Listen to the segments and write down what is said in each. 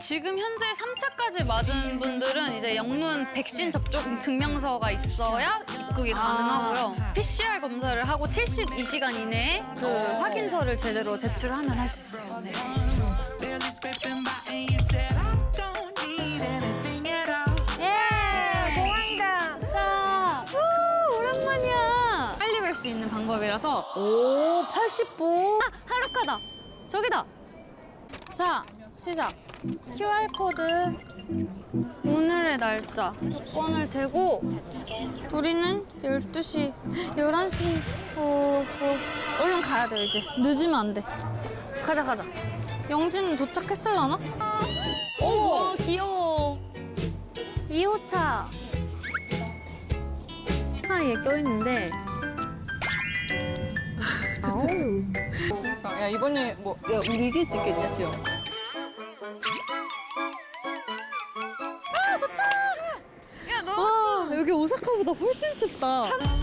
지금 현재 3차까지 맞은 분들은 이제 영문 백신 접종 증명서가 있어야 입국이 가능하고요. PCR 검사를 하고 72시간 이내에 그 확인서를 제대로 제출하면 할 수 있어요. 네. 예, 공항이다. 자, 오랜만이야. 빨리 뵐 수 있는 방법이라서. 오, 80분. 아, 하루카다. 저기다. 자, 시작. QR코드. 오늘의 날짜. 조건을 대고 우리는 12시, 11시. 얼른 가야 돼요, 이제. 늦으면 안 돼. 가자. 영진은 도착했을라나? 오, 귀여워. 2호차. 사이에 껴있는데. 아우. 야, 이번 여행 뭐, 야, 우리 이길 수 있겠냐, 지영? 와, 여기 오사카보다 훨씬 춥다.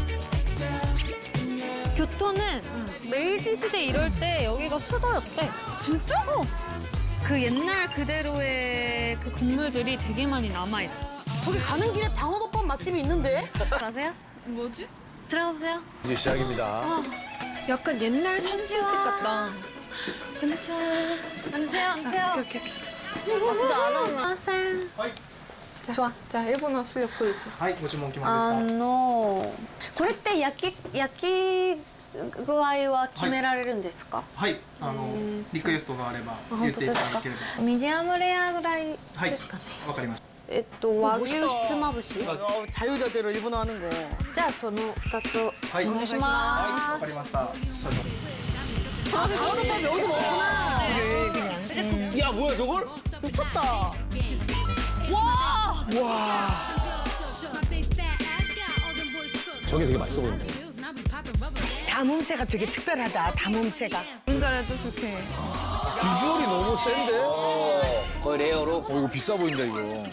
교토는 메이지 시대 이럴 때 여기가 수도였대. 진짜? 그 옛날 그대로의 그 건물들이 되게 많이 남아있어. 저기 가는 길에 장어덮밥 맛집이 있는데? 아세요? 뭐지? 들어오세요. 이제 시작입니다. 약간 옛날 선술집 같다. 안녕하세요. 앉으세요. 오케이. 진짜 안 하면. 안녕하세요. 좋아. 자, 일본어 실력 보여주세요. はい、ご注文決まりですか。 これって焼き具合は決められるんですか？ はい、リクエストがあれば言本ってい当ですかただければ。？ ミディアムレアぐらいはいですかね。 わかりました。 和牛ひつまぶし。 자유자재로 일본어 하는 거. じゃあその2つをはい、 お願いしはい、 まわかりました。少々 아, 장어덮밥 여기서 먹구나. 야 뭐야 저걸? 미쳤다. 와! 저게 되게 맛있어 보이네. 담음새가 되게 특별하다. 담음새가. 우리나라도 그렇게. 비주얼이 너무 센데? 거의 레어로? 이거 비싸 보인다 이거.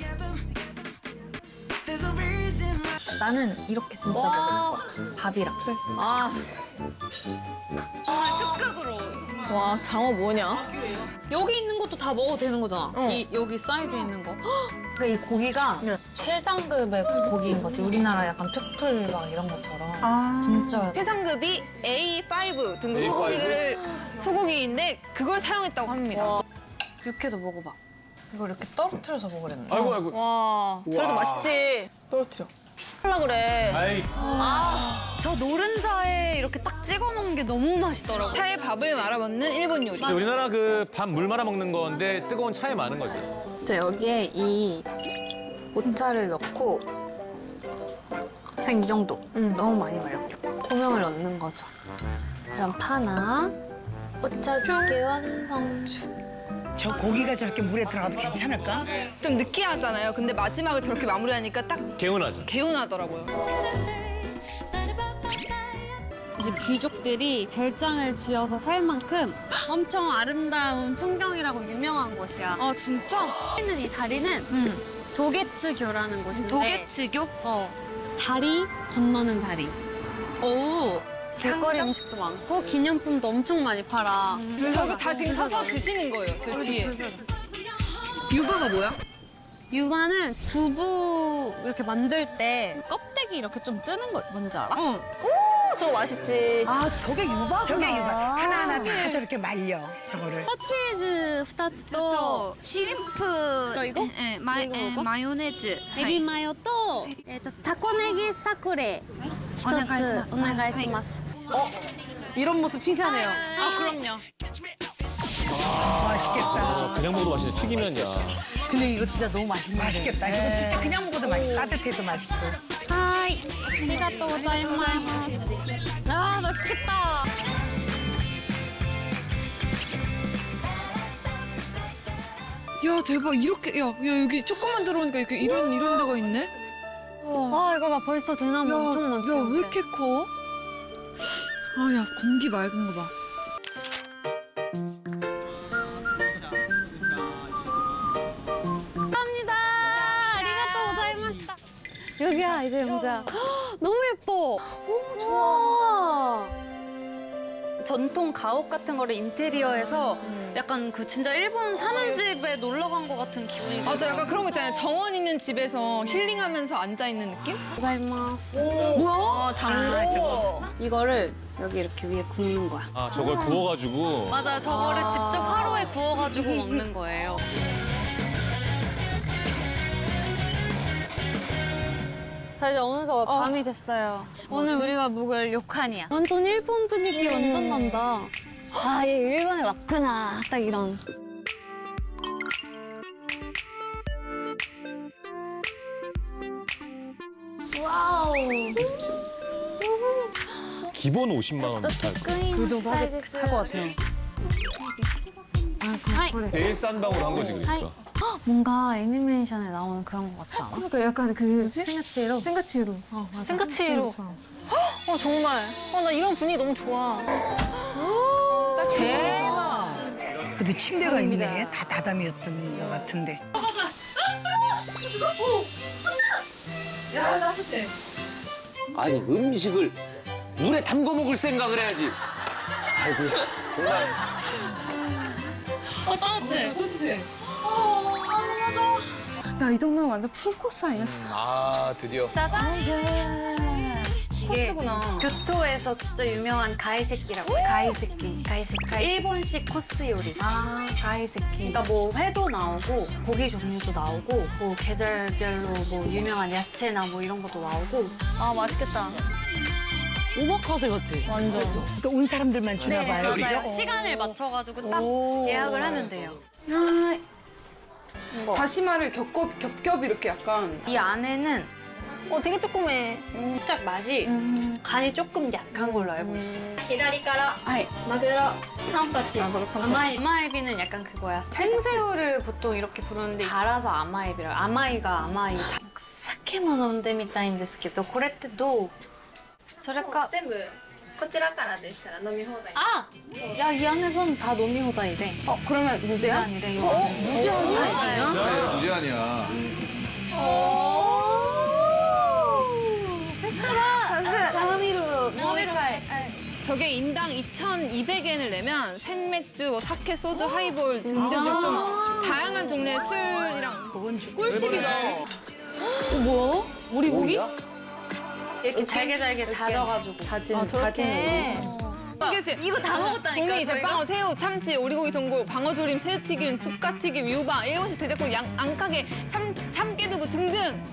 나는 이렇게 진짜 먹어. 밥이랑. 아. 와, 장어 뭐냐? 여기 있는 것도 다 먹어도 되는 거잖아. 여기 사이드에 있는 거. 그러니까 이 고기가 최상급의 고기인 거지. 우리나라 약간 트플 막 이런 것처럼. 진짜. 최상급이 A5 등급 A5? 소고기인데 그걸 사용했다고 합니다. 육회도 먹어봐. 이거 이렇게 떨어뜨려서 먹으랬네. 아이고. 와, 저래도 맛있지. 떨어뜨려. 하려 그래. 아이. 저 노른자에 이렇게 딱 찍어 먹는 게 너무 맛있더라고. 차에 밥을 말아 먹는 일본 요리. 우리나라 그 밥 물 말아 먹는 건데 뜨거운 차에 많은 거지. 자, 여기에 이 오차를 넣고 한 이 정도. 너무 많이 말고 고명을 넣는 거죠. 그럼 파나 오차 두개 완성. 저 고기가 저렇게 물에 들어가도 괜찮을까? 좀 느끼하잖아요. 근데 마지막을 저렇게 마무리하니까 딱 개운하죠. 개운하더라고요. 이제 귀족들이 별장을 지어서 살 만큼 엄청 아름다운 풍경이라고 유명한 곳이야. 아 진짜? 있는 이 다리는 도게츠교라는 곳인데 도게츠교? 다리 건너는 다리. 오. 길거리 음식도 많고 기념품도 엄청 많이 팔아. 저거 다 지금 서서 드시는 거예요. 저 뒤에. 유바가 뭐야? 유마는 두부 이렇게 만들 때 껍데기 이렇게 좀 뜨는 거 뭔지 알아? 응. 저거 맛있지. 아, 저게 유바구나. 저게 유바. 하나하나 다 저렇게 말려, 저거를. 치즈 2つと 시림프. 이거? 네, 이거? 마요네즈. エビマヨとタコネギサクレ一つお願いします。 이런 모습 칭찬해요. 아 그럼요. 맛있겠다. 그냥 먹어도 맛있네. 튀기면야. 근데 이거 진짜 너무 맛있는데. 맛있겠다. 이거 진짜 그냥 먹어도 맛있어. 따뜻해도 맛있고. はーい。ありがとうございます。あー맛있겠다. 야 대박 이렇게 야 여기 조금만 들어오니까 이렇게 이런 데가 있네. 아 이거 봐 벌써 대나무 엄청 많지. 야 왜 이렇게 커? 아 야 공기 맑은 거 봐. 감사합니다. 아리가또 고자이마시타. 여기야 이제 영자. 너무 예뻐. 오 좋아. 전통 가옥 같은 거를 인테리어해서 약간 그 진짜 일본 사는 집에 놀러 간 것 같은 기분이 맞아, 약간 그런 거 있잖아요. 정원 있는 집에서 힐링하면서 앉아있는 느낌? 고자이마스. 뭐야? 당고. 이거를 여기 이렇게 위에 굽는 거야. 아, 저걸 구워가지고. 맞아요. 저거를 직접 화로에 구워가지고 먹는 거예요. 자, 이제 어느새 밤이 됐어요. 오늘 우리가 묵을 료칸이야. 완전 일본 분위기 완전 난다. 아, 얘 일본에 왔구나. 딱 이런. 와우. 기본 50만 원. 그 정도 할것 같아요. 제일 싼 방으로 한 거지, 그러니까. 뭔가 애니메이션에 나오는 그런 것 같지 않아? 그러니까 약간 그 생가치로? 생가치로. 맞아. 생가치로. 정말. 나 이런 분위기 너무 좋아. 딱 대박. 그래도 침대가 있네. 다 다담이었던 것 같은데. 아니 음식을 물에 담궈 먹을 생각을 해야지. 아이고야 정말. 따뜻해. 야, 이 정도면 완전 풀코스 아니야? 아 드디어. 코스구나. 교토에서 진짜 유명한 가이세끼라고 해요. 가이세끼. 일본식 코스 요리. 아, 가이세키. 그러니까 뭐 회도 나오고 고기 종류도 나오고 뭐 계절별로 뭐 유명한 야채나 뭐 이런 것도 나오고. 아, 맛있겠다. 오마카세 같아. 완전. 또 온 사람들만 주나 봐요. 맞아요. 그죠? 시간을 맞춰가지고 딱 예약을 하면 돼요. 다시마를 겹겹 이렇게 약간. 이 안에는 되게 조그매. 살짝 맛이 간이 조금 약한 걸로 알고 있어. 左からマグロカンパチ甘い 아마에비는 약간 그거야. 생새우를 보통 이렇게 부르는데 갈아서 아마에비라. 아마이가 아마이. 사케모飲んでみたいんですけど、これってどう？それか。 全部こちらからでしたら飲み放題 아! 야, 이 안에서는 다 노미호다이래. 그러면 무제야? 아니래, 이거. 무제 아니야? 무제 아니야. 사미루. 저게 인당 2,200엔을 내면 생맥주, 뭐 사케, 소주, 하이볼 등등 좀 다양한 종류의 술이랑 꿀팁이다. 뭐야? 우리 고기? 이렇게 잘게 다져가지고. 다진 이거 다 먹었다니까, 종이, 저희가? 대빵어, 새우, 참치, 오리고기 전골, 방어조림, 새우튀김, 쑥갓튀김, 유바, 일본식 대접국, 안가게, 참깨두부 등등